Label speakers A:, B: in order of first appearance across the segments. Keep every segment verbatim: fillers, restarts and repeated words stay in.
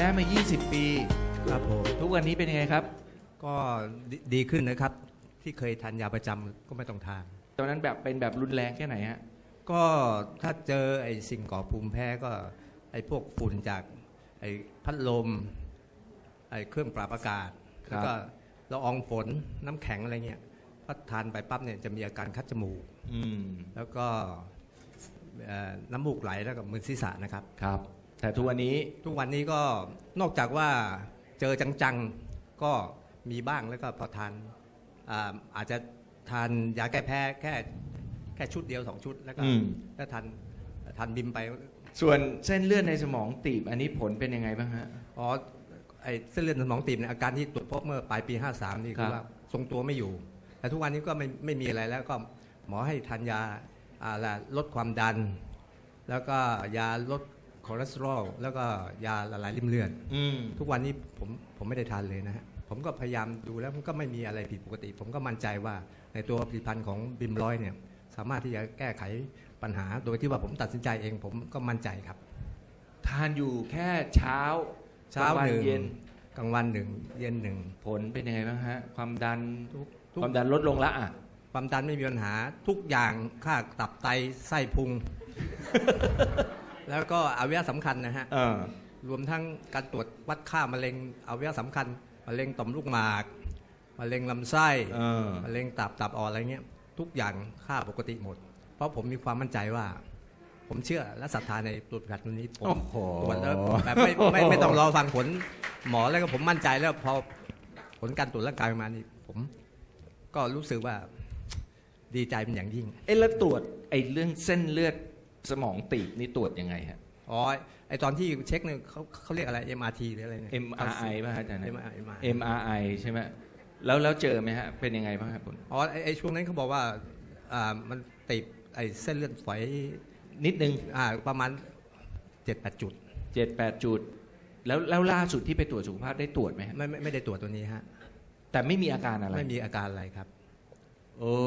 A: มายี่สิบปี
B: ครับผม
A: ทุกวันนี้เป็นยังไงครับ
B: ก็ดีขึ้นนะครับที่เคยทานยาประจำก็ไม่ต้องทาน
A: ตอนนั้นแบบเป็นแบบรุนแรงแค่ไหนฮะ
B: ก็ถ้าเจอไอ้สิ่งก่อภูมิแพ้ก็ไอ้พวกฝุ่นจากไอ้พัดลมไอ้เครื่องปรับอากาศแล้วก็ละอองฝนน้ำแข็งอะไรเงี้ยพอทานไปปั๊บเนี่ยจะมีอาการคัดจมูกแล้วก็น้ำมูกไหลแล้วก็มึนศีรษะนะครับ
A: ครับแต่ทุกวันนี้
B: ทุกวันนี้ก็นอกจากว่าเจอจังๆก็มีบ้างแล้วก็พอทานอาอาจจะทานยาแก้แพ้แค่แค่ชุดเดียวสองชุดแล้วก็แล้วทานทานบิมไป
A: ส่วนเส้นเลือดในสมองตีบอันนี้ผลเป็นยังไงบ้างฮะ
B: อ๋อไอเส้นเลือดในสมองตีบเนี่ยอาการที่ตรวจพบเมื่อปลายปีห้าสามนี่คือว่าทรงตัวไม่อยู่แต่ทุกวันนี้ก็ไม่ไม่มีอะไรแล้วก็หมอให้ทานยาลดความดันแล้วก็ยาลดคอเลสเตอรอลแล้วก็ยาละลายริ่มเลือดทุกวันนี้ผมผมไม่ได้ทานเลยนะฮะผมก็พยายามดูแล้วมันก็ไม่มีอะไรผิดปกติผมก็มั่นใจว่าในตัวผลิตภัณฑ์ของบิมร้อยเนี่ยสามารถที่จะแก้ไขปัญหาโดยที่ว่าผมตัดสินใจเองผมก็มั่นใจครับ
A: ทานอยู่แค่เช้า
B: เช้าหนึ่งเย็นกลางวันหนึ่งเย็นหนึ่ง
A: ผลเป็นยังไงบ้างฮะความดันความดันลดลงละอ่ะ
B: ความดันไม่มีปัญหาทุกอย่างค่าตับไตไส้พุง แล้วก็อวัยวะสำคัญนะฮะรวมทั้งการตรวจวัดค่ามะเร็งอวัยวะสำคัญมะเร็งต่อมลูกหมากมะเร็งลำไส้มะเร็งตับตับอ่อนอะไรเงี้ยทุกอย่างค่าปกติหมดเพราะผมมีความมั่นใจว่าผมเชื่อและศรัทธาในตัวผลิตภัณฑ์ตัวนี้ผมตรวจแล้วแบบไม่ไม่ไม่ต้องรอฟังผลหมอแล้วก็ผมมั่นใจแล้วพอผลการตรวจร่างกายมานี่ผมก็รู้สึกว่าดีใจเป็นอย่างยิ่ง
A: เอ๊ะแล้วตรวจไอ้เรื่องเส้นเลือดสมองตีบนี่ตรวจยังไงฮะ
B: อ๋อไอตอนที่เช็คเนี่ยเขาเขาเรียกอะไร เอ็ม อาร์ ที หรืออะไรเนี่ย
A: เอ็ม อาร์ ไอ ป่ะอาจารย์
B: เอ็ม อาร์ ไอ
A: เอ็ม อาร์ ไอ ใช่ไหมแล้วแล้วเจอไหมฮะเป็นยังไงบ้างครับคุณ
B: อ๋อไอไอช่วงนั้นเขาบอกว่าอ่ามันติดไอเส้นเลือดฝอย
A: นิดนึง
B: อ่าประมาณเจ็ดแปดจุด
A: เจ็ดแปดจุดแล้วแล้วล่าสุดที่ไปตรวจสุขภาพได้ตรวจไหม
B: ไม่ไม่ไม่ได้ตรวจตัวนี้ฮะ
A: แต่ไม่มีอาการอะไร
B: ไม่มีอาการอะไรครับ
A: โอ้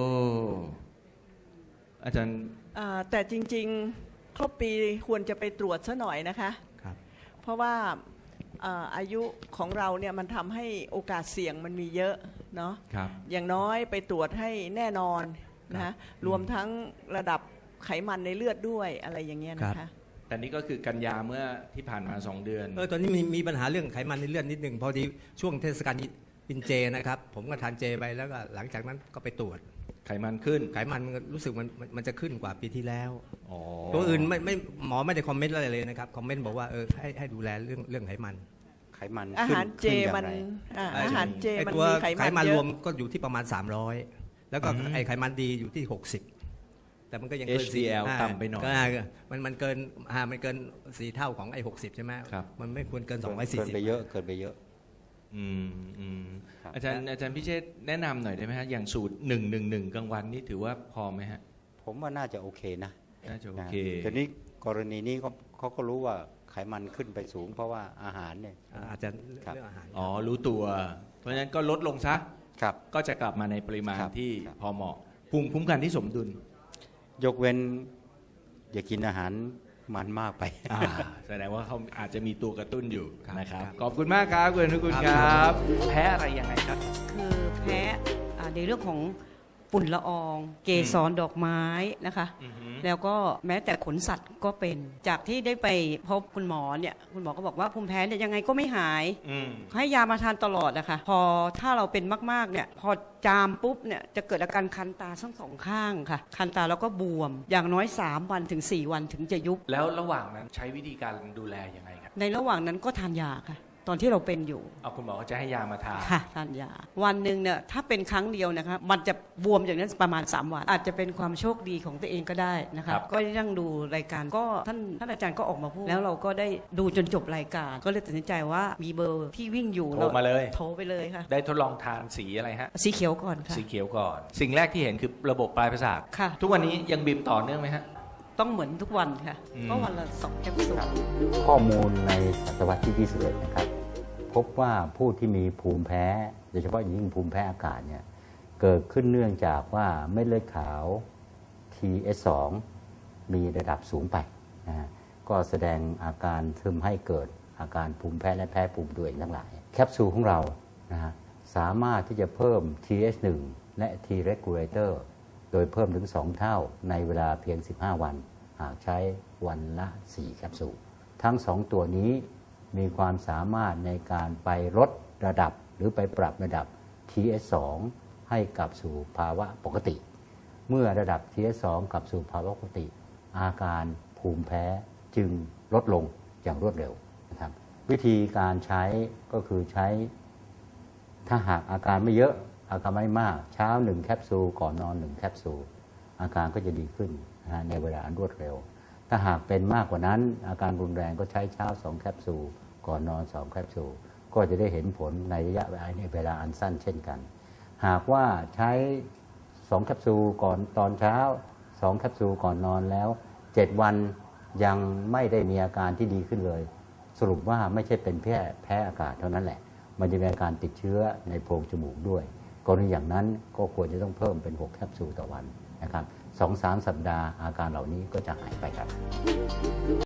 A: อาจารย์
C: แต่จริงๆครบปีควรจะไปตรวจซะหน่อยนะคะ
B: ครับ
C: เพราะว่าอายุของเราเนี่ยมันทำให้โอกาสเสี่ยงมันมีเยอะเนาะอย่างน้อยไปตรวจให้แน่นอนนะรวมทั้งระดับไขมันในเลือดด้วยอะไรอย่างเงี้ยนะคะ
A: แต่นี่ก็คือกันยาเมื่อที่ผ่านมาสองเดือน
B: เออตอนนี้มีมีปัญหาเรื่องไขมันในเลือดนิดนึงพอดีช่วงเทศกาลกินเจนะครับผมก็ทานเจไปแล้วก็หลังจากนั้นก็ไปตรวจ
A: ไขมันขึ้น
B: ไขมันรู้สึกมันมันจะขึ้นกว่าปีที่แล้วตัวอื่นไม่ไม่หมอไม่ได้คอมเมนต์อะไรเลยนะครับคอมเมนต์บอกว่าเออให้ให้ดูแลเรื่องเรื่องไขมัน
D: ไขมัน
C: อาหารเจมันอาหารเจมันมีไขมัน
B: ไขมันรวมก็อยู่ที่ประมาณสามร้อยแล้วก็ไอไขมันดีอยู่ที่หกสิบแต่มันก็ยังเกิน
A: เอช ดี แอล ต่ำไปหน่อย
B: มันมันเกินอ่ามันเกินสี่เท่าของไอหกสิบใช่ไหมมันไม่ควรเกินสองร้อยสี่สิบ
D: เกินไปเยอะเกินไปเยอะ
A: อืมอืมอาจารย์อาจารย์พิเชษแนะนำหน่อยได้ไหมฮะอย่างสูตรหนึ่งหนึ่งหนึ่งกลางวันนี่ถือว่าพอไหมฮะ
D: ผมว่าน่าจะโอเคนะ
A: น่าจะโอเค
D: แต่นี้กรณีนี้เขาเขาก็รู้ว่าไขมันขึ้นไปสูงเพราะว่าอาหารเนี่ย
B: อาจจะเรื่องอาหาร
A: อ๋อรู้ตัวเพราะฉะนั้นก็ลดลงซะก็จะกลับมาในปริมาณที่พอเหมาะภูมิคุ้มกันที่สมดุล
D: ยกเว้นอย่ากินอาหารมันมากไป
A: แสดงว่าเขาอาจจะมีตัวกระตุ้นอยู่นะครับขอบคุณมากครับคุณนุกุลครับแพ้อะไรยังไงครับ
E: คือแพ้ในเรื่องของฝุ่นละอองเกสรดอกไม้นะคะแล้วก็แม้แต่ขนสัตว์ก็เป็นจากที่ได้ไปพบคุณหมอเนี่ยคุณหมอก็บอกว่าภูมิแพ้เนี่ยยังไงก็ไม่หายให้ยามาทานตลอดนะคะพอถ้าเราเป็นมากๆเนี่ยพอจามปุ๊บเนี่ยจะเกิดอาการคันตาทั้งสองข้างค่ะคันตาแล้วก็บวมอย่างน้อยสามวันถึงสี่วันถึงจะยุบ
A: แล้วระหว่างนั้นใช้วิธีการดูแลยังไงครับ
E: ในระหว่างนั้นก็ทานยาค่ะตอนที่เราเป็นอยู่
A: เอาคุณหมอก็จะให้ยามาทาน
E: ค่ะทานยาวันหนึ่งเนี่ยถ้าเป็นครั้งเดียวนะคะมันจะบวมอย่างนั้นประมาณสามวันอาจจะเป็นความโชคดีของตัวเองก็ได้นะคะก็ยังดูรายการก็ท่านท่านอาจารย์ก็ออกมาพูดแล้วเราก็ได้ดูจนจบรายการก็เลยตัดสินใจว่ามีเบอร์ที่วิ่งอยู่
A: โทรมาเลย
E: โทรไปเลยค่ะ
A: ได้ทดลองทานสีอะไรฮะ
E: สีเขียวก่อนค่ะ
A: สีเขียวก่อนสิ่งแรกที่เห็นคือระบบปลายประสาทค่ะทุกวันนี้ยังบีมต่อเนื่องไหมฮะ
E: ต้องเหมือนทุกวันค่ะก็วันละสองแคปซูล
D: ข้อมูลในศตวรรษที่ยี่สิบเอ็ดนะครับพบว่าผู้ที่มีภูมิแพ้โดยเฉพาะยิ่งภูมิแพ้อากาศเนี่ยเกิดขึ้นเนื่องจากว่าเม็ดเลือดขาว ที เอส สอง มีระดับสูงไปนะก็แสดงอาการทำให้เกิดอาการภูมิแพ้และแพ้ภูมิตัวเองทั้งหลายแคปซูลของเรานะฮะสามารถที่จะเพิ่ม ที เอช หนึ่ง และ T regulator โดยเพิ่มถึงสองเท่าในเวลาเพียงสิบห้าวันหากใช้วันละสี่แคปซูลทั้งสองตัวนี้มีความสามารถในการไปลดระดับหรือไปปรับระดับ ที เอช สอง ให้กลับสู่ภาวะปกติเมื่อระดับ ที เอช สอง กลับสู่ภาวะปกติอาการภูมิแพ้จึงลดลงอย่างรวดเร็วนะครับวิธีการใช้ก็คือใช้ถ้าหากอาการไม่เยอะอาการไม่มากเช้าหนึ่งแคปซูลก่อนนอนหนึ่งแคปซูลอาการก็จะดีขึ้นนะในเวลาอันรวดเร็วถ้าหากเป็นมากกว่านั้นอาการรุนแรงก็ใช้เช้าสองแคปซูลก่อนนอนสองแคปซูลก็จะได้เห็นผลในระยะเวลาอันสั้นเช่นกันหากว่าใช้สองแคปซูลก่อนตอนเช้าสองแคปซูลก่อนนอนแล้วเจ็ดวันยังไม่ได้มีอาการที่ดีขึ้นเลยสรุปว่าไม่ใช่เป็นแค่แพ้อากาศเท่านั้นแหละมันจะมีอาการติดเชื้อในโพรงจมูกด้วยกรณีอย่างนั้นก็ควรจะต้องเพิ่มเป็นหกแคปซูลต่อวันนะครับ สองถึงสาม สัปดาห์อาการเหล่านี้ก็จะหายไปครับ